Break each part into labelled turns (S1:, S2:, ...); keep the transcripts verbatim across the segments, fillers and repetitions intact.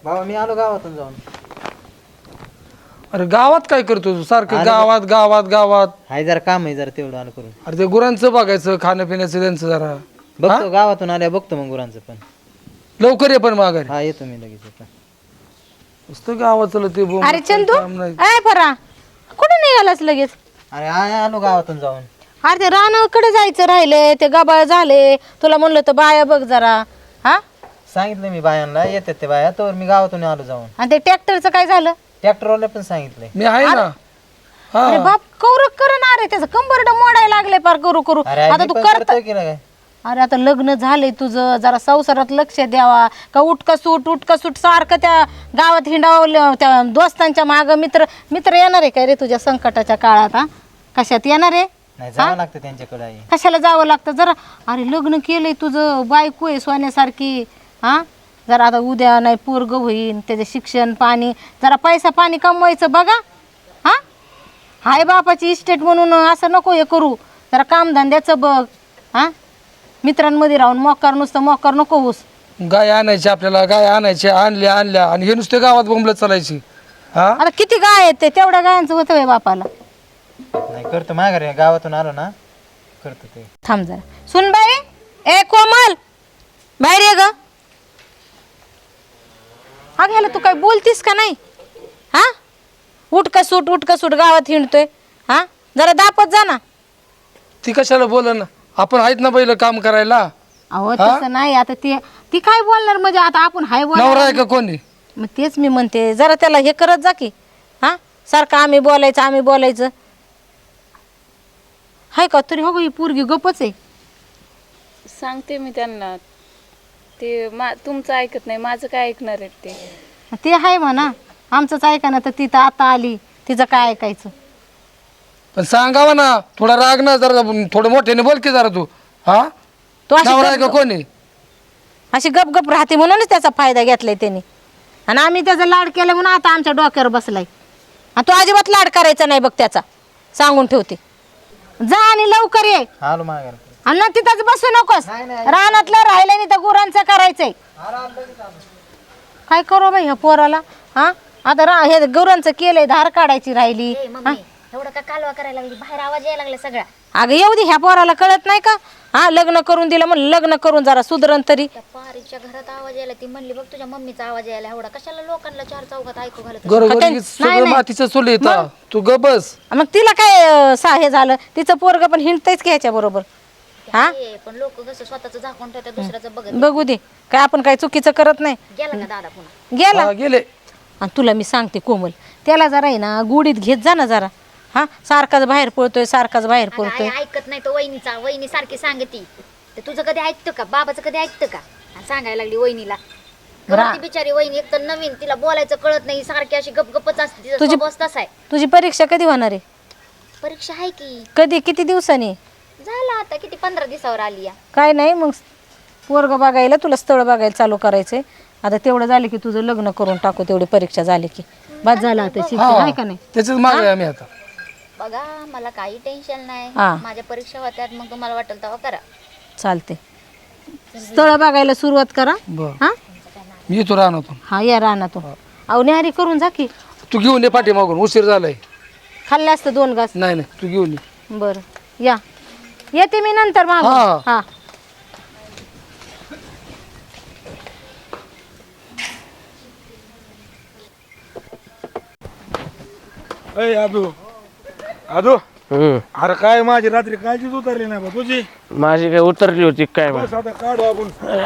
S1: बाबा मी आलो गावातून जाऊन.
S2: अरे गावात काय करतो तू सारखं गावात गावात गावात?
S1: हाय जरा काम आहे जरा तेवढं आलो करून.
S2: अरे ते गुरांचं बघायचं खाणं पिण्याचं त्यांचं जरा.
S1: बघतो गावातून आल्या बघतो मग गुरांचं पण.
S2: लवकर ये पण माघारी.
S1: हा येतो मी लगेच आता.
S2: नुसतं गावाचं ते बोंब.
S3: अरे चंदू काय परा कुठे निघालास लगेच?
S1: अरे आय आलो गावातून जाऊन.
S3: अरे ते रानाकडे जायचं राहिले ते गबाळ झाले तुला म्हणलं तर बाया बघ जरा. हा
S1: सांगितलं मी बायांना येतात ते बाया तर मी गावातून आलो जाऊन.
S3: आणि ते ट्रॅक्टरचं काय झालं?
S1: ट्रॅक्टरवाला पण सांगितलंय.
S2: मी आहे ना.
S3: अरे बाप कौरक करणार आहे त्याचं कंबरड मोडायला लागले पार करू करू.
S1: अरे
S3: आता
S1: मी
S3: तू
S1: पण
S3: करत
S1: करतोय की काय.
S3: अरे आता लग्न झालंय तुझं जरा संसारात लक्ष द्यावा का उठका सूट उठका सूट सारखं त्या गावात हिंडावलं त्या दोस्तांच्या माग मित्र मित्र येणार आहे काय रे तुझ्या संकटाच्या काळात? हा कशात येणार आहे?
S1: नाही जावं लागतं त्यांच्याकडे आई.
S3: कशाला जावं लागतं जरा? अरे लग्न केलंय तुझं बायको आहे सोन्यासारखी. हा जरा आता उद्या नाही पोरग होईन त्याचे शिक्षण पाणी जरा पैसा पाणी कमवायचं बघा. हा हाय बापाची इस्टेट म्हणून असं नको हे करू. जरा कामधंद्याचं बघ. हा मित्रांमध्ये राहून मोकार नुसतं मोकार नको होस.
S2: गाय आणायची आपल्याला गाय आणायची आणल्या आणल्या आणि हे नुसते गावात बोंबलत चालायची. हा
S3: आता किती गाय आहेत ते तेवढ्या गायांचं होतं आहे बापाला.
S1: नाही करतो माघारी गावातून आलो ना करतो ते.
S3: थांब जरा सुन बाई ए कोमल बाहेर ये ग. हा घ्यायला तू काय बोलतीस का नाही? हा उठ का सूट उठ का सूट गावात हिंडतोय. हा जरा दापत जा ना.
S2: ती कशाला बोल ना आपण आहेत ना पहिलं काम करायला.
S3: अहो तसं नाही आता ती ती काय बोलणार म्हणजे आता आपण हाय
S2: नवरा
S3: बोलणार.
S2: आहे का कोणी?
S3: मग तेच मी म्हणते जरा त्याला हे करत जा की. हा सारखं आम्ही बोलायचं आम्ही बोलायचं हाय का तरी हो ही पोरगी गपच आहे.
S4: सांगते मी त्यांना ते मा तुमचं ऐकत नाही माझं काय ऐकणार आहेत ते.
S3: ते आहे म्हणा आमचंच ऐका ना तर ती तर आता आली तिचं काय ऐकायचं.
S2: पण सांगावा ना थोडा राग ना जरा थोडं मोठ्याने बोल की जरा तू. हा
S3: तो अशी
S2: नवरा आहे का
S3: गप-
S2: कोणी?
S3: अशी गप गप राहते म्हणूनच त्याचा फायदा घेतलाय त्यांनी. आणि आम्ही त्याचा लाड केला म्हणून आता आमच्या डोक्यावर बसलाय. आणि तो अजिबात लाड करायचा नाही बघ त्याचा सांगून ठेवते. जा आणि लवकर ये
S1: आलो माघारी.
S3: आणि ना तिथंच बसू नकोस. रानातलं राहिलं नाही तर गुरांचं करायचंय. काय करू बाई ह्या पोराला? हा आता रा हे गुरांचं केलंय धार काढायची राहिली. हा?
S5: एवढं का कालवा करायला लागली बाहेर आवाज यायला लागला सगळा.
S3: अगं येऊ दे ह्या पोराला कळत नाही का? हा लग्न करून दिलं म्हणून लग्न करून जरा सुधरण तरी.
S5: त्या पारीच्या घरात आवाज यायला ती म्हणली बघ तुझ्या मम्मीचा आवाज यायला एवढा कशाला लोकांना चार चौघात ऐकू घालत.
S2: घरोघरी सगळं मातीचं चुल येतं. तू ग बस.
S3: मग तिला काय अं, सा हे झालं तिचं पोरग पण हिंडतयच की ह्याच्या बरोबर. हा
S5: पण लोक कसं स्वतःच झाकून ठेवतात दुसऱ्याचं बघत.
S3: बघू दे काय आपण काय चुकीचं करत नाही.
S5: गेला का दादा पुन्हा?
S3: गेला.
S2: हा, गेले.
S3: आणि तुला मी सांगते कोमल त्याला जरा आहे ना गुडीत घेत जा ना जरा. हा सारखाच बाहेर पळतोय सारखाच बाहेर
S5: अगं,
S3: पळतोय.
S5: आई ऐकत नाही तो वहिनीचा वहिनी सारखी सांगती. तर तुझं कधी ऐकतं का बाबाचं कधी ऐकतं का? आणि सांगायला लागली वहिनीला. ती बिचारी वहिनी एक तर नवीन तिला बोलायचं कळत नाही सारखी अशी गपगपच असते. तिचा
S3: तुझी-
S5: स्वभाव तसा आहे.
S3: तुझी परीक्षा कधी होणार आहे?
S5: परीक्षा आहे की
S3: कधी किती दिवसांनी?
S5: झाला आता किती पंधरा दिवसावर आली या.
S3: काय नाही मग पोरग बघायला तुला स्थळ बघायला चालू करायचंय. आता तेवढं झालं की तुझं लग्न करून टाकू तेवढी परीक्षा झाली की बाद झाला आता शिक्षण आहे का नाही.
S2: त्याच्याच मागे आम्ही आता.
S5: बघा मला काही टेन्शन नाही.
S3: हा.
S5: माझ्या परीक्षा होत्यात मग तुम्हाला वाटेल तेव्हा करा.
S3: चालते स्थळ बघायला सुरुवात करा.
S2: बर
S3: हा
S2: मी येतो राहणार.
S3: हा या रानातून अहो न्याहारी करून जा की.
S2: तू घेऊन ये पाठी मागून उशीर झालाय.
S3: खाल्ले असतं दोन घास.
S2: नाही नाही तू घेऊन ये.
S3: बरं या येते मी नंतर मागून.
S2: हा.
S3: हा
S6: अय आदू आदू अरे काय माझी रात्री काळजीच उतरली नाही बा तुझी.
S7: माझी काय उतरली होती काय बा?
S6: बस आता काढू आपण.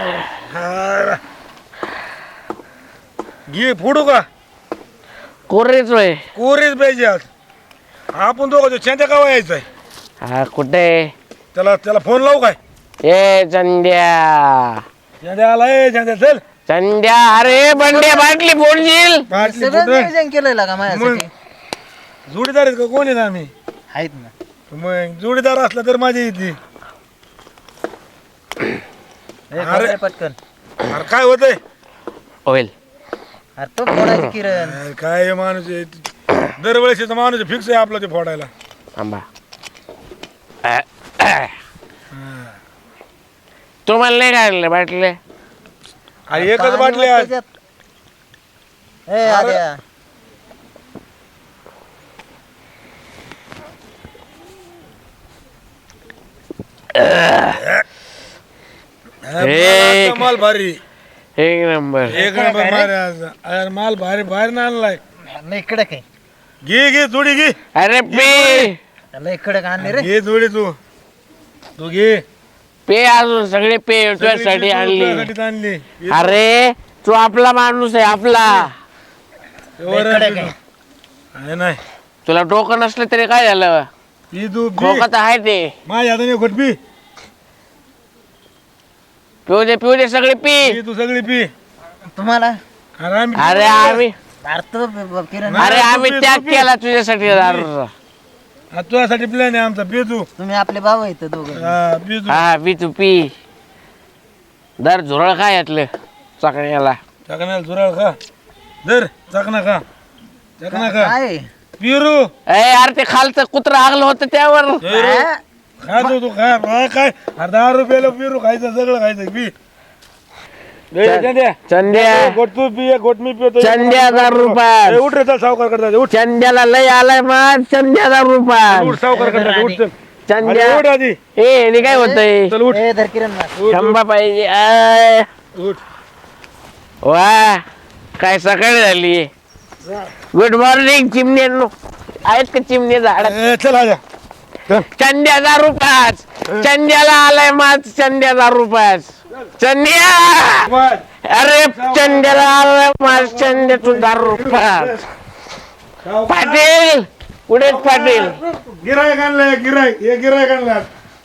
S6: घे फोडू का?
S7: कोरेच वय
S6: कोरीच पाहिजे आज. आपण दोघं चंद्या गावा यायचंय.
S7: हा कुठे?
S6: त्याला त्याला फोन लावू काय?
S7: ए चंद्या
S6: चंद्या आलाय चंद्या चल.
S7: चंद्या अरे बंड्या बाटली फोडशील.
S6: बाटली
S1: सगळं
S6: फुटलं.
S1: नियोजन केलंय का माझ्यासाठी.
S6: जोडीदार आहेत का कोण आहेत आम्ही?
S1: आहेत ना.
S6: मग जोडीदार असला तर माझी येते.
S1: ए, खोबरे पटकन.
S6: अरे काय होतंय?
S7: होईल
S1: अरे तो फोडायची किरण.
S6: अरे काय हे माणूस आहे. दरवेळेस माणूस फिक्स आहे आपला ते फोडायला.
S7: आंबा तुम्हाला नाही काढले बाटले?
S6: अरे एकच
S1: पाणी
S6: बाटली आज.
S1: त्याच्यात. ए आद्या
S7: एक
S6: माल भारी
S7: एक नंबर
S6: एक नंबर मारे आज अरे माल भारी बाहेर ना आणलाय
S1: लय कडक आहे
S6: घे घे थोडी घे
S7: अरे पे
S1: लय कडक आणले रे
S6: घे थोडी तू तू घे
S7: पे अजून सगळे पे तुझ्यासाठी आणली
S6: तुझ्यासाठीच आणली
S7: अरे तू आपला माणूस आहे आपला
S1: लय कडक आहे
S6: आहे नाही
S7: तुला डोकं नसलं तरी काय झालं
S6: पी तू पी
S7: डोकं तर आहे ते
S6: माझ्या हाताने घोट पी
S7: पिऊ दे पिऊ दे सगळे पी
S6: पी तू सगळी पी
S1: तुम्हाला
S6: अरे आम्ही
S7: अरे आम्ही
S1: अर्थ किरण
S7: अरे आम्ही त्याग केला तुझ्यासाठी दारूचा.
S6: हा, तुझ्यासाठी प्लॅन आहे आमचा पी तू
S1: तुम्ही आपले भाऊ आहेत दोघं
S6: हा पी तू
S7: हा पी तू पी दर झुरळ काय यातलं चाकण्याला
S6: चाकण्याला झुराळ खा धर चाकणा खा चाकणा खा
S1: काय
S6: पिरू
S7: ए अरे ते खालचं कुत्रं आगलं होतं त्यावर
S6: खा तू तू खा हा, काय अरे दहा रुपयाला पिरू खायचं सगळं खायचं पी ए, चंद्या
S7: चंद्या
S6: गोट तू पी एक गोट मी पितो
S7: चंद्या हजार
S6: ए,
S7: रुपये
S6: उठ रे चल सावकार करता उठ
S7: चंद्याला लय आलाय मग चंद्या हजार रुपये
S6: उठ सावकार करता उठ चल
S7: चंद्या
S6: अरे, उठ आधी
S7: ए हे काय होतंय
S6: चल उठ
S1: ए धर किरण मार.
S7: शंभा पाहिजे आय.
S6: उठ
S7: वा काय सकाळी झाली गुड मॉर्निंग चिमण्यांनो आहेत का चिमणे झाड
S6: ए, चल आजा चल
S7: चंद्याचा रुपास चंद्याला आलाय माझ चंद्याचा रुपास चंद्या
S6: बस.
S7: अरे चंद्याला आलाय माझ चंद्या तुझा रुपास पाटील पुढे पाटील
S6: गिरायक आणलंय गिरायक हे गिरायक आणलं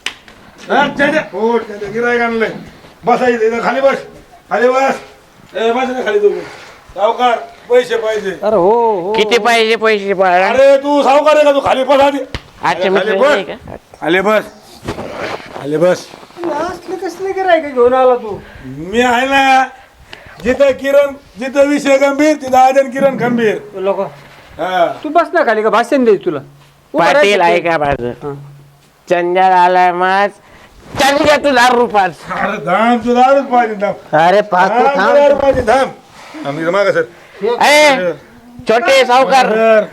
S6: हो गिरायक आणलंय बसायचं इथं खाली बस खाली बस ए बस ना खाली तू सावकार पैसे पाहिजे
S7: किती पाहिजे पैसे पाहिजे
S6: अरे तू सावकार आहे का तू खाली बस आधी
S7: अच्छा
S6: खाली
S7: मित्र
S6: बस.
S7: नाही का?
S6: खाली बस खाली बस
S2: कसले गिरायक घेऊन आला तू
S6: मी आहे ना जिथं किरण जिथं विषय गंभीर तिथं आजन किरण गंभीर
S2: लोक
S6: हा
S2: तू बस ना खाली का भाषण दे तुला
S7: पाटील आहे का माझं चंद्याला आलाय माझ चंद्या तुझा रुपास
S6: अरे धाम तू दारूच पाहिजे धाम
S1: अरे पाहतो
S6: धाम
S1: थांब
S6: दारू पाहिजे धाम आम्ही मागा सर
S7: ए छोटे सावकार
S6: सर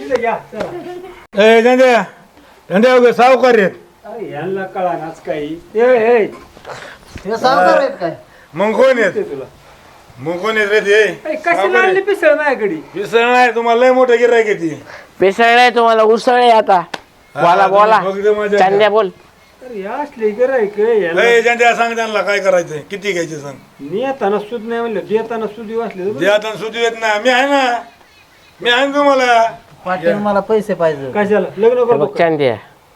S6: ए झंड्या झंड्या वगैरे सावकार आहेत
S2: अरे यांना कळा नाच काही ए
S1: हे सावकार आहेत काय
S6: मग कोण आहेत
S2: तुला
S6: मग कोण आहेत रे ते
S2: कशी आणली पिसळ माझ्याकडे
S6: विसर नाही तुम्हाला लय मोठं गिरायक आहे ती
S7: पिसळले तुम्हाला उसळले आता बोला बोला
S6: फक्त माझ्या-
S7: चंद्या बोल
S2: अरे या असले गिरायक
S6: ए झंड्या सांग त्यांना काय करायचंय किती घ्यायचे सांग
S2: नेताना सुद नाही म्हणलं देताना सुदी वाचले
S6: जे आता सुचू येत ना मी आहे ना मी आहे ना तुम्हाला
S1: पाटील मला पैसे पाहिजे
S2: कशाला लग्न
S7: हे
S2: करतो
S7: बघ चंद्या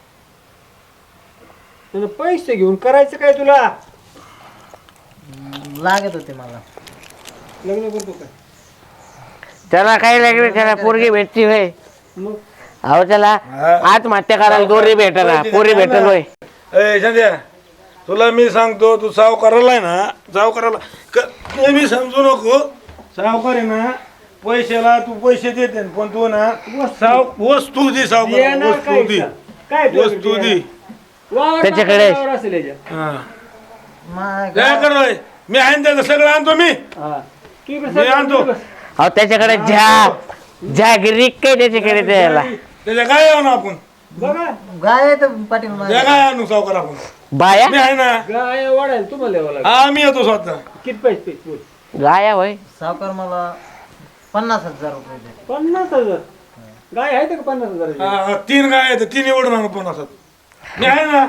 S2: त्यानं पैसे घेऊन करायचं काय तुला
S1: लागत होते मला
S2: लग्न करतो काय
S7: त्याला काही लागले त्याला पोरगी भेटती होय
S2: मग
S7: अहो त्याला आत्महत्या करायला दोरी भेटना पोरी भेटल होय
S6: ए संध्या तुला मी सांगतो तू सावकाराला आहे ना सावकाराला क- नेहमी समजू नको सावकार आहे ना पैशाला तू पैसे देते पण तू ना साव वस्तू दे सावकार
S2: देणार
S6: वस्तू
S2: काय
S6: दे
S2: काय तुला
S6: वस्तू दे
S2: वावर
S7: त्याच्याकडे-
S2: वावर असेल याच्यात.
S6: हा
S1: मा-
S6: काय करतोय मी आहे ना त्याचं सगळं आणतो मी
S2: हा. तू इकडे
S6: मी
S2: सर,
S6: आणतो.
S2: इकडे बस.
S7: अहो त्याच्याकडे झा जागरिक काय त्याच्याकडे द्यायला
S6: त्याच्या काय आणू आपण
S2: बघा
S1: गाय आहेत पाटील माझ्या.
S6: त्या काय आणू सावकार आपण
S7: बाया
S6: मी आहे ना
S2: गाय वाढायला तुम्हाला यावं लागेल
S6: हा मी येतो स्वतः
S2: किती पैसे पैसे बोल.
S7: गाया होय
S1: सावकार मला पन्नास हजार रुपये दे.
S2: पन्नास हजार गाय आहे का पन्नास हजार
S6: हा, हा, तीन काय आहेत तीन एवढं आणू पन्नासात मी आहे ना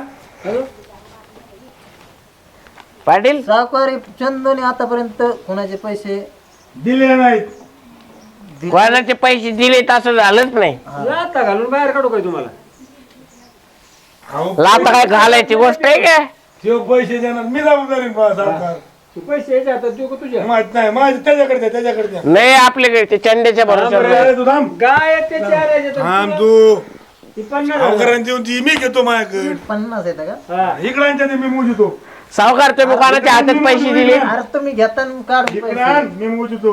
S7: पाटील
S1: सावकार चंदोने आतापर्यंत कोणाचे पैसे
S6: दिले नाहीत
S7: कोणाचे पैसे दिले असं झालंच नाही
S2: लाता घालून बाहेर काढू काय तुम्हाला
S6: अहो,
S7: लाता काय घालायची गोष्ट आहे का
S6: ते पैसे देणार मी जबाबदारी बा सावकार
S2: तू पैसे यायचे आता देऊ का तुझ्या
S6: माहित नाही माझे त्याच्याकडे द्या, त्याच्याकडे द्या.
S7: नाही आपल्याकडे ते चंद्याच्या भरोश्यावर
S6: अरे, तू थांब
S2: गाय आहे ते चार आहे ते
S6: थांब
S2: तुला-
S6: तू
S2: ती पन्नास हजार.
S6: सावकारांची देऊन ती मी घेतो माझ्याकडे
S1: पन्नास आहेत का
S2: हा.
S6: इकडांच्या ते मी मोजतो
S7: सावकार तुम्ही कोणाच्या हातात पैसे दिले
S1: अरे तुम्ही घेताना काढून
S6: इकडे
S1: पैसे
S6: आण, मी मोजतो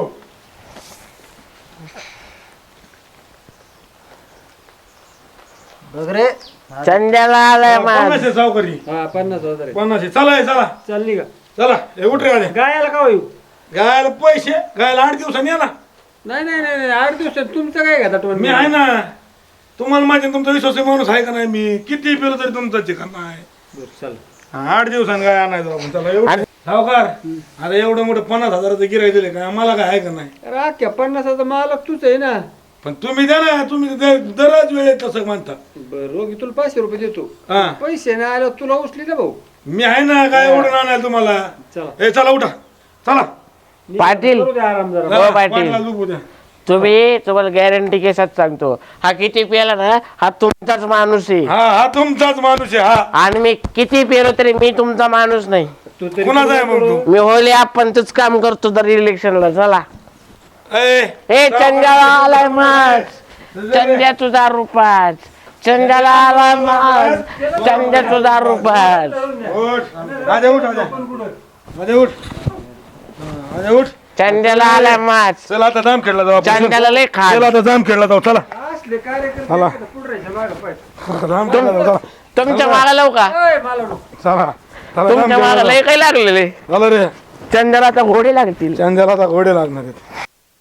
S1: बघ रे
S7: चंद्याला आलाय माझ
S6: पन्नास आहे सावकारी
S2: हा पन्नास हजार आहे.
S6: पन्नास आहे चला हे, चला
S2: चालली का
S6: चला हे उठ रे आले
S2: गायाला का येऊ
S6: गायला पैसे गायला आठ दिवसांनी या ना
S8: नाही नाही नाही नाही, आठ दिवसात तुमचं काय घेता तुम्ही
S6: मी आहे ना तुम्हाला माहिती तुमचा विश्वास माणूस आहे का नाही मी किती पेलो तरी तुमचा चिकन नाही
S8: बरं चल
S6: हा, आठ दिवसांनी काय आणायचं आपण चला एवढं सावकार आता एवढं मोठं पन्नास हजाराचं गिराय दिले का आम्हाला काय आहे का नाही
S8: राख्या पन्नासाचा मालक तूच आहे ना.
S6: पण तुम्ही द्या ना तुम्ही दर- दरच वेळेत तसं म्हणता
S8: बरं रोगी तुला पाचशे रुपये देतो.
S6: हा
S8: पैसे नाही आले तुला उचली ना भाऊ.
S6: मी आहे ना काय एवढं आणायला तुम्हाला
S8: चला
S6: ए चला उठा चला
S7: पाटील
S8: करू दे आराम जरा.
S6: चला,
S7: पाटील.
S6: पाटला झोपू द्या.
S7: तुम्ही तुम्हाला गॅरंटी केसात सांगतो हा किती पेला ना हा तुमचाच माणूस आहे
S6: हा हा तुमचाच माणूस आहे हा
S7: आणि मी किती पेलो तरी मी तुमचा माणूस नाही.
S8: तू तरी
S6: कुणाचा आहे मग तू
S7: मी होले आपण तूच काम करतो तर इलेक्शनला चला.
S6: ए
S7: ए चंद्याला आलाय मास चंद्या तुझा रुपाच चंद्याला आलाय मास चंद्या तुझा रुपाच.
S6: उठ आजा उठ आजा आजा उठ हा, आजा उठ
S7: चंद्याला आलाय मास
S6: चला आता जाम खेळला जाऊ आपण.
S7: चंद्याला लय खा.
S6: चला आता जाम खेळला जाऊ चला
S8: असले कार्यकर्ते पुढरायच्या मागं पाहिजे.
S6: जाम खेळला जाऊ चला
S7: तुमच्या मागा लावू का
S8: ओय, मला नको.
S6: चला चला जाम
S7: तुमच्या
S6: खेळला
S7: मागा
S6: जाऊ.
S7: लय काही लागलेले
S6: चला रे
S7: चंद्याला आता घोडे लागतील.
S6: चंद्याला आता घोडे लागणार आहेत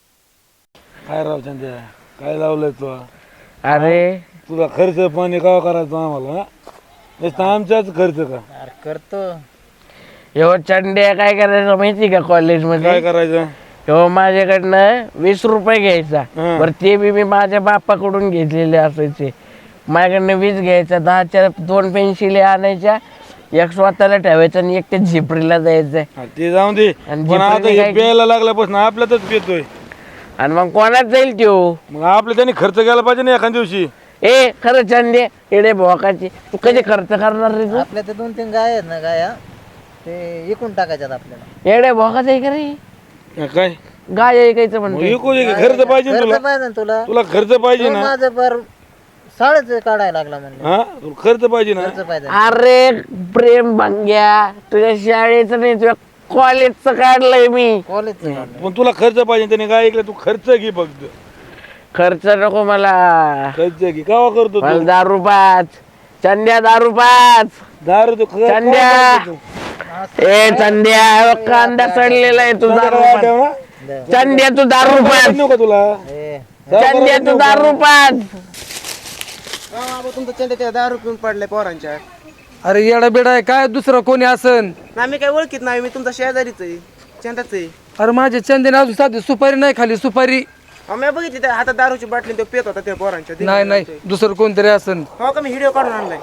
S6: काय राव चंद्या काय लावलंय तू
S7: अरे
S6: तुला खर्च पाणी का करायचं आम्हाला हा? नुसतं आमचाच खर्च का
S1: अरे करतो
S7: हो चंड्या काय करायचं माहिती का कॉलेज
S6: काय
S7: मध्ये
S6: करायचं
S7: हो माझ्याकडनं वीस रुपये घ्यायचा
S6: हं.
S7: बरं ते बी मी माझ्या बापाकडून घेतलेले असायचे. माझ्याकडनं वीस घ्यायचा दहाच्या दोन पेन्सिली आणायच्या एक स्वतःला ठेवायचं आणि एक ते झिपरीला जायचं
S6: हा, ते जाऊन दे
S7: आणि
S6: पण आता
S7: जिपरीने
S6: हे
S7: काय-
S6: प्यायला लागल्यापासून आपल्यातच पितोय
S7: आणि मग कोणाच जाईल त्यो.
S6: मग आपल्या त्यांनी खर्च केला पाहिजे ना एखाद्या दिवशी
S7: ए खरं चंदे एडे भोकाची तू कधी खर्च करणार रे तू
S1: आपल्या ते दोन तीन गाय आहेत ना गाया ते इकून टाकायच्यात आपल्याला.
S7: एडे भोकाच आहे का रे
S6: हा, काय
S7: गाय ऐकायचं
S6: मग
S7: म्हणते.
S6: विकू दे की, खर्च पाहिजे ना
S1: खर्च
S6: तुला
S1: पाहिजे ना तुला
S6: तुला खर्च पाहिजे
S1: तो
S6: ना
S1: माझं पर साडेच काढायला लागला म्हणलं
S6: हा तुला खर्च पाहिजे ना
S1: खर्च पाहिजे
S7: अरे प्रेम भंग्या तुझ्या शाळेचं नाही तुझ्या कॉलेजचं काढलंय मी.
S1: कॉलेज
S6: पण तुला खर्च पाहिजे त्याने काय ऐकलं तू खर्च घे फक्त
S7: खर्च नको मला
S6: खर्च घे कावा करतो
S7: मला
S6: तू
S7: दारू पाच चंद्या दारू पाच
S6: दारू तू खर्च
S7: चंद्या
S6: करतो.
S7: ए चंद्या कांदा चढलेला आहे तू दारू
S6: काय
S7: पाच
S6: ठेव ना?
S7: चंद्या तू दारू पाच
S6: नको का तुला
S7: चंद्या तू दारू पाच.
S9: तुमचं चंद्याच्या दारू पिऊन पडले पोरांच्या.
S2: अरे येडा बेडा आहे काय दुसरं कोणी असन.
S9: ना मी काय ओळखीत नाही मी तुमचा शेजारीच आहे चंदाच आहे.
S2: अरे माझ्या चंदेने अजून साधी सुपारी नाही खाली सुपारी.
S9: अहो, मी बघितली त्या हातात दारूची बाटली तो पेत होता त्या पोरांच्या.
S2: नाही नाही दुसरं कोणतरी असन.
S9: हो का मी व्हिडिओ काढून आणलाय.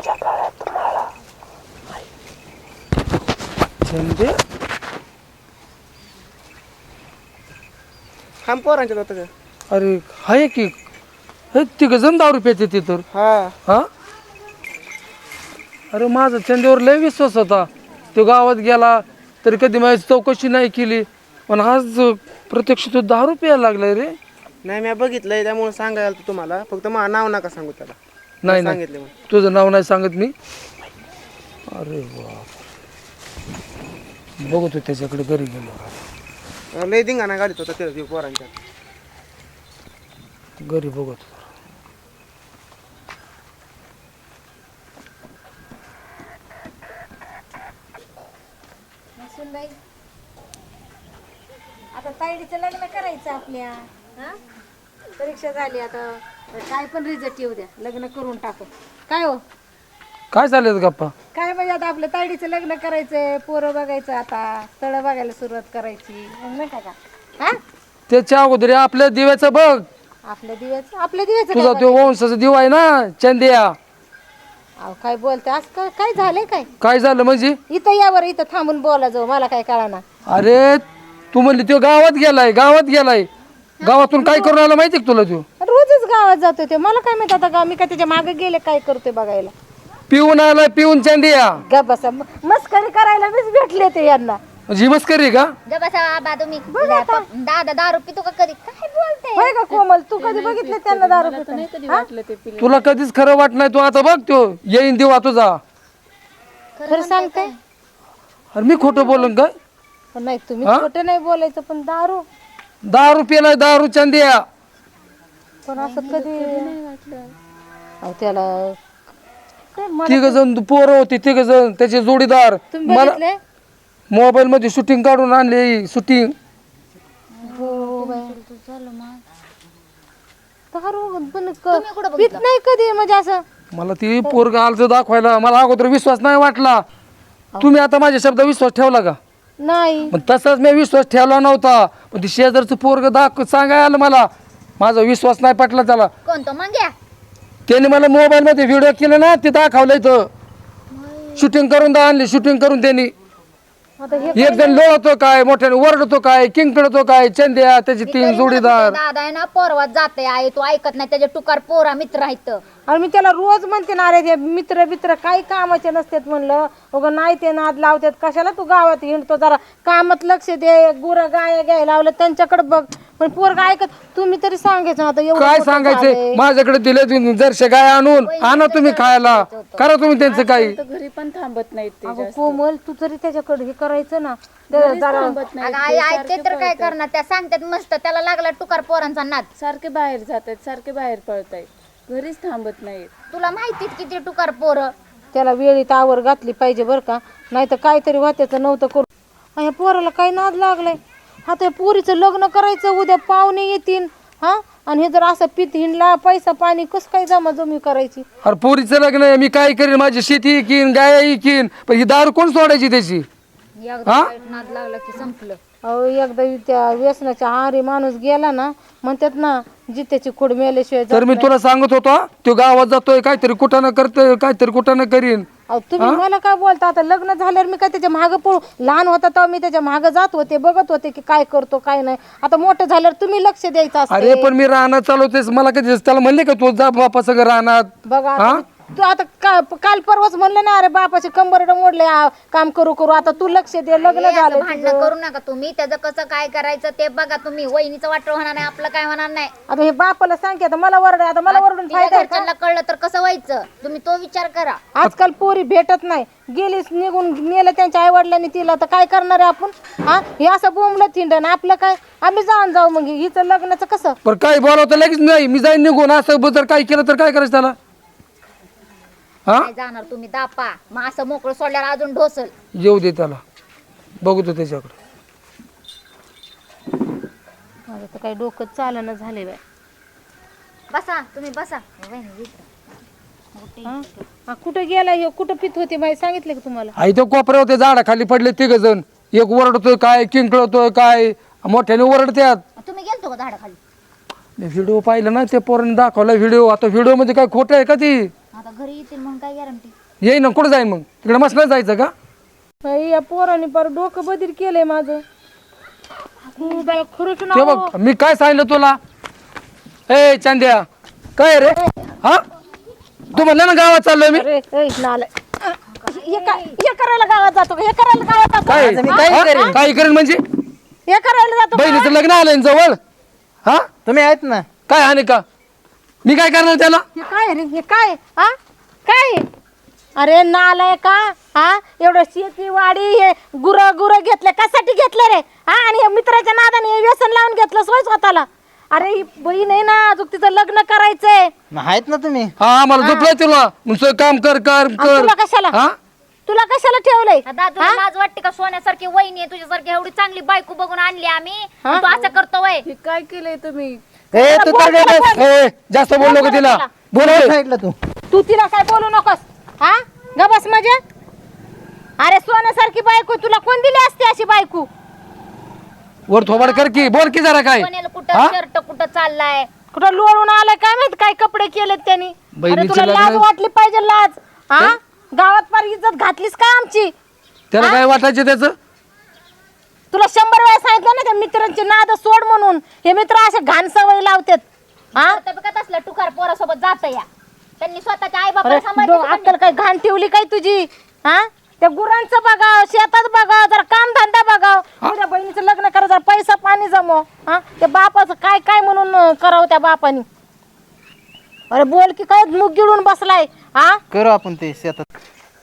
S2: चंदे
S9: खाम पोरांच्यात होतं का.
S2: अरे हाय की हे तिघ जण दारू पेते ते तर
S9: हा
S2: हा अरे माझा चंदेवर लय विश्वास होता. तो गावात गेला तरी कधी माझी चौकशी नाही केली पण आज प्रत्यक्ष तो दारू प्यायला लागलाय रे.
S9: नाही मी बघितलंय त्यामुळे सांगायला आलतो तुम्हाला. फक्त मला नाव नका सांगू त्याला.
S2: नाही नाही
S9: सांगितले मग
S2: तुझं नाव नाही सांगत मी. अरे बाप बघतो त्याच्याकडे घरी गेलो
S9: लय धिंगाणा गाडीत होता त्या पोरांच्या.
S2: घरी बघतो
S3: सुनबाई आता ताईडीचं लग्न करायचं आपल्या हा परीक्षा झाली आता काय पण रिझल्ट येऊ द्या लग्न करून टाकू काय हो
S2: काय चाललं गप्पा.
S3: काय म्हणजे आता आपल्या ताईडीचं लग्न करायचंय पोरं बघायचं आता स्थळं बघायला सुरुवात करायची मग नाही का हा
S2: त्याच्या अगोदर आपल्या दिव्याचं बघ.
S3: आपल्या दिव्याचं आपल्या दिव्याचं
S2: तुझा
S3: काय
S2: तो वंशाचा दिवा आहे ना चंदिया.
S3: अहो काय बोलते आज काय काय झालंय काय
S2: काय झालं म्हणजे.
S3: इथं या बरं इथं थांबून बोला जाऊ मला काय कळाना
S2: अरे तू म्हणली तो गावात गेलाय गावात गेलाय गावातून काय करून आला माहिती का तुला तो.
S3: रोजच गावात जातोय ते मला काय माहित आता गाव मी काय त्याच्या मागे गेले काय करतोय बघायला
S2: पिऊन आलाय पिऊन चंदिया.
S3: ग बसा म- मस्करी करायला मीच भेटले ते यांना
S2: जी मस्करी का.
S5: जब बसा आबा तुम्ही दादा दारू पितो का कधी काय बोलते
S3: होय का कोमल तू कधी बघितले त्यांना दारू पिताना?
S2: तुला कधीच खरं वाट नाही तू आता बघ तो येईन दिवा तुझा.
S3: खरं सांगते
S2: अरे मी खोटं बोलून काय.
S3: पण नाही तुम्ही खोटं नाही बोलायचं पण दारू
S2: दारू पिलाय दारू चंदिया.
S3: पण असं कधी अहो त्याला काय मला-
S2: तिघ जण पोरं होती तिघ जण त्याचे जोडीदार
S3: तुम्ही
S2: मला
S3: बघितले
S2: मोबाईल मध्ये शूटिंग काढून आणली शूटिंग.
S3: हो बाई. दारू पण क-
S5: तुम्ही कुठं
S3: पित
S5: बघितलं?
S3: नाही कधी म्हणजे असं.
S2: मला ती पोरग आलचं दाखवायला मला अगोदर विश्वास नाही वाटला. तुम्ही आता माझ्या शब्द विश्वास ठेवला का?
S3: नाही
S2: पण तसाच मी विश्वास ठेवला नव्हता. पण ती शेजारचं पोरग दाख सांगाय आलं मला. माझा विश्वास नाही पटला त्याला.
S5: कोणतं मंग्या?
S2: त्याने मला मोबाईल मध्ये व्हिडिओ केले ना ते दाखवलं इथं. शूटिंग करून दा आणली शूटिंग करून त्यांनी.
S3: आता हे
S2: एक जण लोळतो काय मोठ्याने ओरडतो काय किंग पिळतो काय चंद्या त्याची तीन जोडीदार.
S5: दादा आहे ना पोरवात जाते आहे तू ऐकत नाही त्याचे टुकार पोरा मित्र आहेत.
S3: आणि मी त्याला रोज म्हणते ना अरे ते मित्र मित्र काही कामाचे नसतात म्हणलं उगा नाही ते नाद लावतात कशाला तू गावात हिंडतो जरा कामात लक्ष दे गुरं गाय घ्यायला लावलं त्यांच्याकडे बघ पण पोरगा ऐकत तुम्ही तरी सांगायचं ना आता एवढं
S2: काय
S3: मोठं
S2: सांगायचंय
S3: झालंय.
S2: माझ्याकडे दिले जरशे गाय आणून आणा तुम्ही खायला करा तुम्ही त्यांचं काही.
S4: तर घरी पण थांबत नाहीत ते
S3: अगं
S4: जास्त.
S3: कोमल तू तरी त्याच्याकडे हे करायचं ना ते जरा
S4: थांबत नाही
S5: अगं आई ऐकते तर काय करणार त्या सांगतात मस्त त्याला लागला टुकार पोरांचा नाद.
S4: सारखे बाहेर जातात सारखे बाहेर पळतायत घरीच थांबत नाहीत.
S5: तुला माहितीच किती टुकार पोरं.
S3: त्याला वेळीत आवर घातली पाहिजे बरं का नाही तर काहीतरी वात्याचं नव्हतं करू. आणि ह्या पोराला काही नाद लागलाय. आता या पोरीचं लग्न करायचं उद्या पाहुणे येतील हा आणि हे जर असं पित हिंडला पैसा पाणी कसं काय जमा जमी करायची.
S2: अरे पोरीचं लग्न आहे मी काय करीन माझी शेती इकीन गाय इकीन पण ही दारू कोण सोडायची त्याची.
S5: एकदा वाईट नाद लागला की संपलं.
S3: अहो एकदा त्या व्यसनाच्या आहारी माणूस गेला ना म्हणतात ना जित्याची खोड मेल्याशिवाय जात
S2: तर मी तुला सांगत होतो तो गावात जातोय काहीतरी कुठं करतोय काहीतरी कुठं करीन.
S3: अहो तुम्ही मला काय बोलता आता लग्न झाल्यावर मी काय त्याच्या मागं पळू लहान होता तेव्हा मी त्याच्या मागं जात होते बघत होते की काय करतो काय नाही आता मोठं झाल्यावर तुम्ही लक्ष द्यायचं
S2: अरे
S3: असते.
S2: पण मी राहणार चालवतेस मला कधी त्याला म्हणले का तू जा बापा सगळं राहणार.
S3: बघा आता तू आता का- काल परवाच म्हणलं ना अरे बापाचे कंबरड मोडले आ, काम करू करू आता तू लक्ष दे लग्न
S5: हे असं
S3: झालं
S5: भांडणं करू नका तुम्ही त्याचं कसं काय करायचं ते बघा तुम्ही. वहिनीचं वाटलं होणार नाही आपलं काय होणार नाही.
S3: आता हे बापाला सांग की आता मला वरड आता मला वरडून
S5: तिच्या
S3: फायदा आहे का?
S5: घरच्यांना कळलं तर कसं व्हायचं तुम्ही तो विचार करा.
S3: आजकाल पोरी भेटत नाही गेलीच निघून नेलं त्यांच्या आई वडिलांनी तिला तर काय करणार आहे आपण हा हे असं बोंबलं थिंडन आपलं काय आम्ही जाऊन जाऊ मग हिचं लग्नाचं कसं.
S2: पण काही बोलावतं लगेच नाही मी जाईन निघून असं जर काही केलं तर काय करायचं त्याला. हा
S5: काय जाणार तुम्ही दापा मग असं मोकळं सोडल्यावर अजून ढोसल.
S2: येऊ दे त्याला बघू तो त्याच्याकडे.
S3: माझं तर काही डोकं चालणं झाले बाय.
S5: बसा तुम्ही बसा. वहिनी विचारा.
S3: हा? हा, कुठं गेला हे कुठं पित होते माहिती सांगितलं का तुम्हाला.
S2: आई तो कोपऱ्या होते झाडा खाली पडले तिघ जण एक ओरडतोय काय किंकळतोय काय मोठ्याने ओरडत्यात.
S5: तुम्ही गेलतो का झाडाखाली?
S2: व्हिडिओ पाहिलं ना त्या पोरांनी दाखवला व्हिडिओ. आता व्हिडिओ मध्ये काय खोटं आहे का ती.
S5: आता घरी येतील म्हणून काय गॅरंटी.
S2: येईन ना कुठं जाईन मग तिकडे मसला जायचं का.
S3: बाई या पोराने पर डोकं बदल केलंय माझं. हो बाई, खरंच ना
S2: ते
S3: हो.
S2: बघ मी काय सांगितलं तुला. ए चांद्या काय रे हा तू म्हणलं ना गावात चाललोय मी.
S3: अरे ए, नालाय. हे काय हे करायला गावात जातो का? हे करायला गावात जातो
S2: काय
S3: का?
S2: हा? काय करेन म्हणजे
S3: हे करायला जातो का?
S2: बहिणीचं लग्न आलंय ना जवळ. हा
S1: तुम्ही आहेत ना.
S2: काय हाने का मी काय करणार त्याला.
S3: हे काय रे हे काय हा काय अरे नालाय का हा एवढं शेती वाडी हे गुर गुर घेतले कशासाठी घेतले रे हा आणि हे मित्राच्या नादाने हे व्यसन लावून घेतलं सोय स्वतःला. अरे ही बहीण आहे ना अजून तिचं लग्न करायचंय.
S1: मग आहेत ना तुम्ही.
S2: हा मला झोपलंय तुला तुमचं काम कर कर
S3: आणि
S2: कर
S3: तुला कशाला
S2: हा
S3: तुला कशाला ठेवलंय.
S5: दादा तुला लाज वाटते का? सोन्यासारखी वहिनी आहे तुझ्यासारखी एवढी चांगली बायको बघून आणली आम्ही आणि तू असं करतो वय.
S4: हे काय केलंय तुम्ही?
S1: ए तू तर गे बस.
S2: ए जास्त बोल नको तिला बोल
S1: काय सांगितलं तू.
S3: तू तिला काय बोलू नकोस हा ग बस म्हणजे. अरे सोन्यासारखी बायको तुला कोण दिली असते अशी बायको.
S2: वर थोबाड कर की बोल की जरा काय.
S5: सोन्याला कुठं शर्ट कुठं चाललाय.
S3: कुठं लोळून आलाय काय माहित काय कपडे केलेत त्यांनी. अरे
S2: बहिणीचं
S3: तुला लाज
S2: लग्न-
S3: वाटली पाहिजे लाज हा गावात फार इज्जत घातलीस का आमची.
S2: त्याला काय वाटायचं त्याचं.
S3: तुला शंभर वेळा सांगितलं ना त्या मित्रांची नाद सोड म्हणून. हे मित्र असे घाण सवय लावतात हा.
S5: बघत असलं टुकार पोरासोबत जात या त्यांनी स्वतःच्या आई
S3: अरे
S5: बाबा
S3: डो- अक्कल काय घाण ठेवली काय तुझी हा. त्या गुरांचं बघाव शेतात बघाव जरा काम धंदा बघाव तुझ्या बहिणीचं लग्न करा जरा पैसा पाणी जमव हा. त्या बापाचं काय काय म्हणून अं, करावं त्या बापानी. अरे बोल की काय मुग गिळून बसलाय हा.
S1: करू आपण ते शेतात.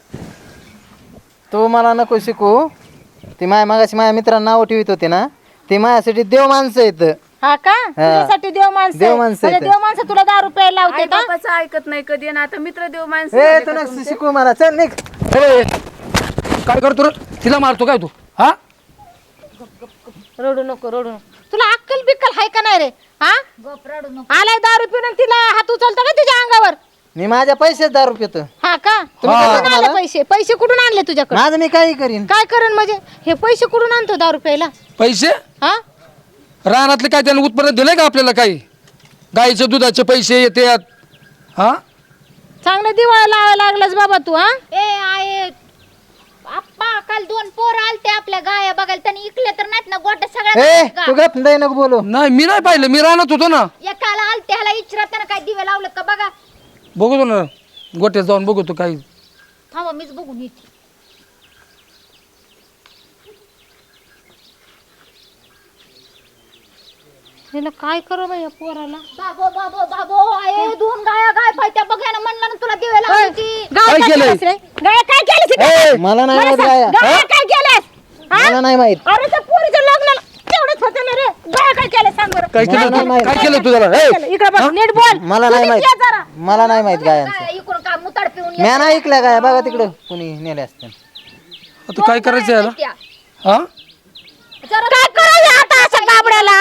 S1: तू मला नको शिकू. ती माया मागाशी माझ्या मित्रांना नाव ठेवित होते ना ते माझ्यासाठी देव माणसं आहेत.
S3: हा का तुझ्यासाठी देव माणसं
S1: देव
S3: आहे.
S1: माणसं
S3: म्हणजे
S1: आहेत.
S3: देव माणसं तुला दारू प्यायला लावते
S4: आई
S3: का.
S4: बापाचं ऐकत नाही कधी आणि आता मित्र देव माणसं
S1: ए
S4: झाले
S1: तू
S4: का
S1: नको
S4: तुमचे?
S1: शिकू मला. चल निघ.
S2: ए, काय करतो रे तिला मारतो काय तू हा.
S3: रडू नको रडू नको तुला अक्कल बिक्कल हाय का नाही रे? हा
S5: गप रडू नको.
S3: आलाय दारू पिऊन आणि तिला हात उचलतो का तुझ्या अंगावर?
S1: मी माझ्या पैसेच दारू पितो.
S3: हा का?
S1: तुम्ही
S3: कुठून
S1: कसं
S3: आले
S1: मला?
S3: पैसे? पैसे कुठून आणले तुझ्याकडे?
S1: माझं मी काही करीन.
S3: काय करण म्हणजे? हे पैसे कुठून आणतो दारू प्यायला?
S2: पैसे
S3: हा
S2: रानातले काय त्यानं उत्पन्न दिलंय का आपल्याला? काही गाईचे दुधाचे पैसे येतात. हा
S3: चांगलं दिवाळा लावायला लागलास बाबा तू. हा
S5: ए आहे आप्पा, काल दोन पोर आलते आपल्या गाया बघायला, त्यांनी इकले तर नाहीत ना गोट्या
S1: ए
S5: सगळ्या
S1: तू गप नाही नको बोलू.
S2: नाही मी नाही पाहिलं, मी रानात होतो ना.
S5: एकाला आलते ह्याला इचरा, त्यानं काय दिवे लावलं का बघा.
S2: बघतो ना गोट्यात जाऊन बघतो काही.
S5: थांबा मीच बघून येते.
S3: हिला काय करू बाई या पोराला?
S5: बाबो बाबो बाबो आहे दोन गाया गाय पाहिजे बघायला म्हणलं ना तुला दिवे लावायची.
S3: गाय
S2: काय
S3: काय
S2: केलंय?
S3: केलंस रे? गाय काय केलंस इकडे?
S1: ए, मला नाही माहित गाया.
S3: गाय काय केलंस? हा?
S1: मला नाही माहित.
S3: अरे त्या पोरीच्या लग्नाला तेवढंच होतं ना रे. गाय काय केलं सांग बरं?
S2: काय
S1: मला
S2: केलं
S1: नाही
S2: तू?
S1: माहित.
S2: काय केलं तुझ्याला?
S3: काय केलं? इकडे बघ नीट बोल.
S1: मला नाही
S3: तू
S1: माहित.
S3: नीट ये जरा.
S1: मला नाही माहित गायांचं.
S5: काय इकडून काय मुताड पिऊन
S1: म्या नाही ऐकल्या गाया. बघा तिकडं कुणी नेले असते.
S2: आता काय करायचं याला?
S5: त्या.
S2: हा
S3: काय करायचं आता अशा गाबड्याला?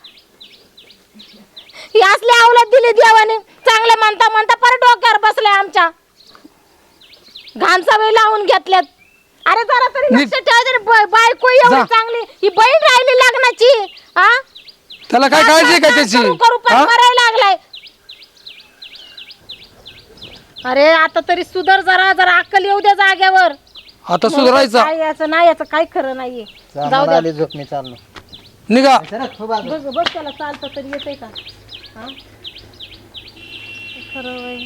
S3: ही असली अवलाद दिली देवाने. चांगलं म्हणता म्हणता परत डोक्यावर बसलाय आमच्या. घाण सवय लावून घेतल्यात. अरे जरा तरी लक्ष ठेव जरा. ब- बायको एवढी
S2: जा.
S3: चांगली, ही बहीण राहिली लग्नाची. हा
S2: त्याला काय काळजी आहे का त्याची?
S3: करू करू पण
S2: हा?
S3: मरायला लागलाय. अरे आता तरी सुधर जरा, जरा अक्कल येऊ द्या जाग्यावर.
S2: आता सुधारायचा.
S3: काय याचं नाही, याचं काय खरं नाहीये. जाऊ
S1: मला
S3: दे.
S1: आली झोप, मी चाललो.
S2: निघा.
S1: सरक, हो बाजूला.
S3: बघ बघ त्याला चालतं तरी येतंय का? हा? खरं होय.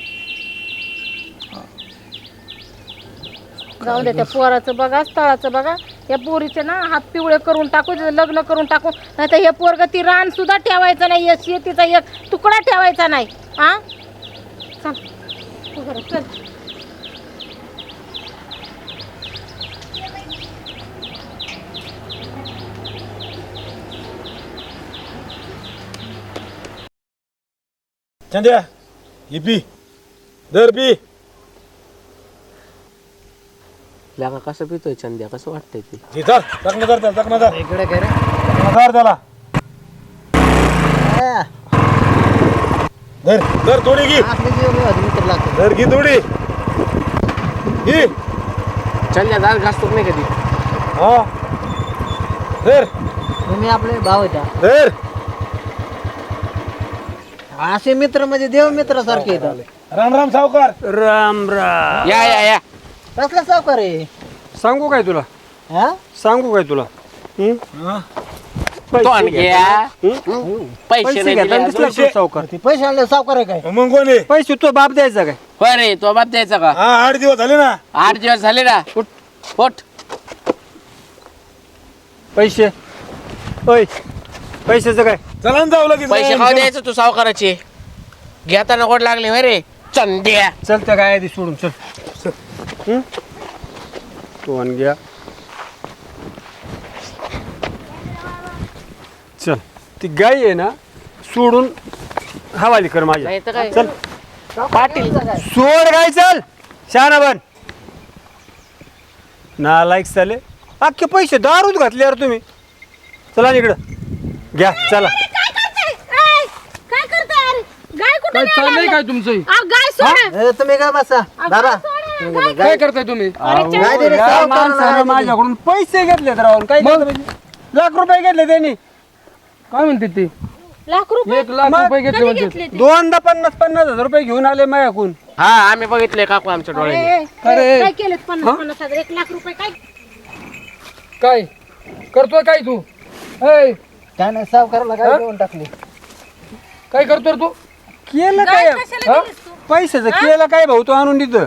S3: जाऊ दे त्या पोराचं बघा, स्थळाचं बघा. या पोरीचे ना हात पिवळे करून टाकू, तिचं लग्न करून टाकू. नाही तर हे पोरग ती रान सुद्धा ठेवायचं नाही, या शेतीचा एक तुकडा ठेवायचा नाही. हा चल तू घरात चल.
S6: चंद्या ही पी दर पी.
S7: लागा कसं पितोय चंद्या, कसं वाटतंय ते?
S6: हे धर चकना धर त्याला, चकना धर
S1: इकडे काय रे?
S6: चकना धर त्याला.
S1: आ,
S6: धर धर थोडी घे.
S1: आपली जीव माझी मित्र लागतो.
S6: धर घे थोडी घे.
S7: चंद्या दाल घासतो नाही कधी.
S6: हा धर
S1: तुम्ही आपले भाव आहेत हा.
S6: धर.
S1: असे मित्र म्हणजे देव मित्र सारखे येतात.
S6: राम राम सावकार.
S8: राम राम.
S7: या या या
S1: कसला सावकार आहे?
S8: सांगू काय तुला?
S1: हा
S8: सांगू काय तुला? हं?
S7: तो आण घ्या. पैसे
S8: पैसे
S7: नाही
S8: घेताना
S7: दिले
S8: दिसला
S7: अजून.
S8: तो सावकार.
S1: ते पैसे आणले सावकार आहे काय?
S6: मग कोण आहे?
S8: पैसे तो बाप द्यायचा काय?
S7: होय रे, तो बाप द्यायचा का?
S6: हा आठ दिवस झाले ना.
S7: आठ दिवस झाले ना. उठ उठ.
S8: पैसे ओय पैशाचं काय?
S6: चला ना जाऊ लगेच.
S7: पैसे खाऊ द्यायचं तू सावकाराचे. घेताना गोड लागले होय रे चंद्या.
S8: चल त्या काय आधी सोडून चल. हं? तो आण घ्या. चल ती गाय आहे ना सोडून हवाली कर माझ्या.
S7: नाही तर काय?
S8: चल
S7: पाटील
S8: सोड गाय चल. शहाणा बन. नालायक चाले अख्खे पैसे दारूच घातले यार तुम्ही. चला इकडं घ्या चला.
S3: काय करताय? ऐ, काय करताय? अरे गाय कुठे
S2: काय चाललंय काय तुमचं?
S3: अहो, गाय सोडा.
S1: ए, तुम्ही काय बसा बाबा.
S2: काय करताय तुम्ही?
S1: काय दे रे
S8: या
S1: सावकाराला
S8: माणसानं
S1: आहे
S8: माझ्याकडून पैसे घेतले राहून काय केलं म्हणजे? लाख रुपये घेतले त्यांनी.
S2: काय म्हणते ते?
S3: लाख रुपये
S2: एक लाख रुपये घेतले म्हणजे.
S8: दोनदा पन्नास पन्नास हजार रुपये घेऊन आले माझ्याकडून.
S7: हा आम्ही बघितले काकू आमच्या डोळ्याने.
S3: ए,
S2: अरे.
S3: काय केलं पन्नास पन्नास हजार एक लाख रुपये काय?
S2: काय करतोय काय तू? ऐ,
S1: काय नाही सावकाराला काय देऊन टाकली.
S2: काय करतोय रे तू?
S8: केलं काय
S2: हा?
S8: पैशाचं केलं काय भाऊ तो आणून देत.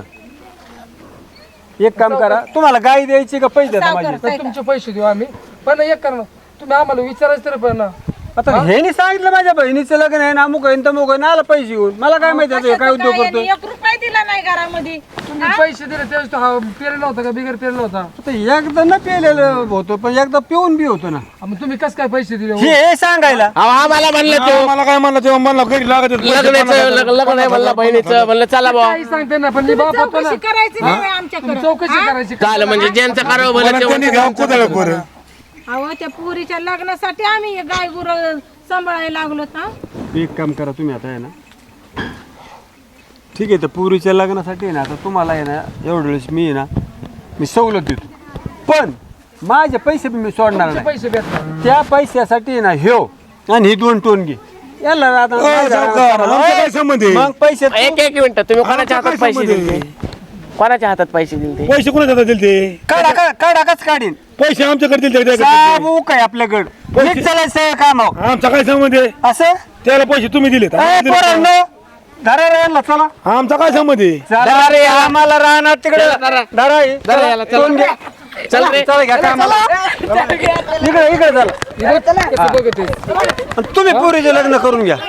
S8: एक काम करा तुम्हाला गाय द्यायची का पैसे द्या माझे.
S2: तर तुमचे पैसे देऊ आम्ही. पण एक करा ना, तुम्ही आम्हाला विचारायचं तरी पण ना.
S8: आता ह्यानी सांगितलं माझ्या बहिणीचं लग्न आहे ना अमुक आहे तमुक आहे ना आला पैसे घेऊन. मला काय माहिती आता हे काय उद्योग करतोय.
S3: एक रुपया दिला नाही घरामध्ये.
S2: तुम्ही पैसे दिले त्यावेळेस तो हा पेरला होता का बिगर पेरला होता?
S8: आता एकदा न पेलेलं होतो पण एकदा पिऊन बी होतो ना.
S2: हा, मग तुम्ही कस काय पैसे दिले?
S8: हे हे सांगायला
S7: अहो, आम्हाला म्हणलं तो
S6: मला काय म्हणलं तेव्हा म्हणलं घरी लागत होते.
S7: लग्नाचं लग्न लग्न आहे म्हणलं बहिणीचं. म्हणलं चला भाऊ.
S2: काही सांगते ना, पण मी बाप होतो ना.
S3: करायची नाही आमच्याकडे.
S2: तुम्ही चौकशी करायची.
S7: झालं म्हणजे ज्यांचं करावं भलं
S6: मला त्यांनी
S7: तेवढं.
S6: घ्यावं कुदळ बरं.
S3: अहो त्या पुरीच्या लग्नासाठी आम्ही हे गाय गुर सांभाळायला लागलो ना.
S8: एक काम करा तुम्ही आता आहे ना, ठीक आहे तर पुरीच्या लग्नासाठी आहे ना, आता तुम्हाला आहे ना एवढ्या वेळेस मी आहे ना मी सवलत देतो, पण माझे पैसे बी मी सोडणार नाही.
S2: पैसे भेटणार
S8: त्या पैशासाठी आहे ना ह्यो आणि ही दोन टोनगी याला आता
S6: अ, सावकार, आमचा काय संबंध आहे?
S8: मग पैसे
S7: एक एक मिनिट तुम्ही कोणाच्या
S6: आमचा
S7: हातात
S6: काय
S7: पैसे
S6: संबंध
S7: दिले कोणाच्या हातात पैसे दिले
S6: पैसे कोणाच्या हातात दिले ते
S8: काढा का- काढा काच काढीन
S6: पैसे आमच्याकडे दिले ते
S8: साबू काय आपल्याकडं
S6: पैसे-
S8: नीट चालायचं काम हो.
S6: आमचा काय संबंध आहे
S8: असं
S6: त्याला पैसे तुम्ही दिले
S8: ए, पोरांनो, धरा रे यांना, चला
S6: आमचा काय संबंध आहे
S8: चला रे आम्हाला राहणार तिकडे धरा हे.
S2: धरा याला, चला.
S8: टोन घ्या.
S7: चल रे.
S8: चला घ्या कामाला. इकडे इकडे चला
S2: कसं बघते
S8: आणि तुम्ही पुरीचे लग्न करून घ्या.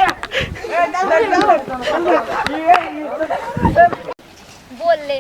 S5: बोलले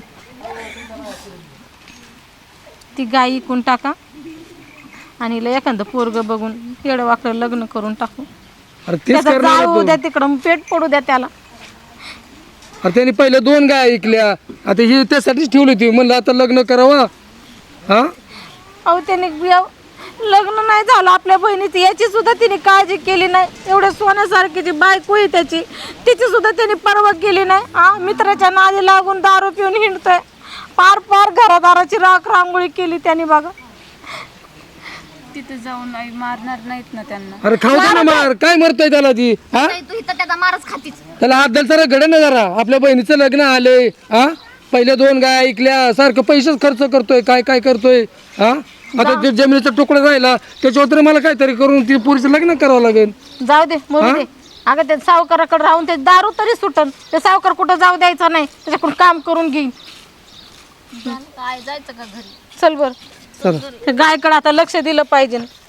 S3: ती गाय इकून टाका आणि हिला एखादं पोरग बघून येडं वाकडं लग्न करून टाकू.
S2: अरे तेच
S3: त्याचं
S2: करणार
S3: जाऊ
S2: होतो.
S3: द्या तिकडं, पेट पडू द्या त्याला.
S2: अरे त्यांनी पहिले दोन गाय ऐकल्या, आता ही त्यासाठीच ठेवली होती. म्हणलं आता लग्न करावं. हा
S3: अहो त्याने बिया- लग्न नाही झालं आपल्या बहिणीची, याची सुद्धा तिने काळजी केली नाही. एवढ्या सोन्यासारखी जी बायको आहे त्याची, तिची सुद्धा त्यांनी पर्वा केली नाही. हा मित्राच्या नादी लागून दारू पिऊन हिंडतोय. पार पार घरादाराची राख रांगोळी केली त्यांनी बघा.
S4: तिथे जाऊन नाही मारणार नाहीत ना त्यांना.
S2: अरे खाऊ दे ना मार, काय मरतोय त्याला ती हा
S5: नाही, तू इथं त्याचा मारच खातीच.
S2: त्याला हात द्यायला सारं घडे ना जरा. आपल्या बहिणीचं लग्न आले हा, पहिले दोन गाय ऐकल्या, सारखं पैसेच खर्च करतोय, काय काय करतोय हा. आता ते जमिनीचा तुकडा राहिला त्याच्यावर तरी मला काहीतरी करून ती पुरीचं लग्न करावं लागेल.
S3: जाऊ दे मरू दे. अगं ते सावकाराकडे राहून ते दारू तरी सुटन. ते सावकार कुठं जाऊ द्यायचा नाही, त्याच्याकडून काम करून घेईन.
S5: काय जायचं का घरी?
S3: चल बर,
S2: चला
S3: गायकडे आता लक्ष दिलं पाहिजे.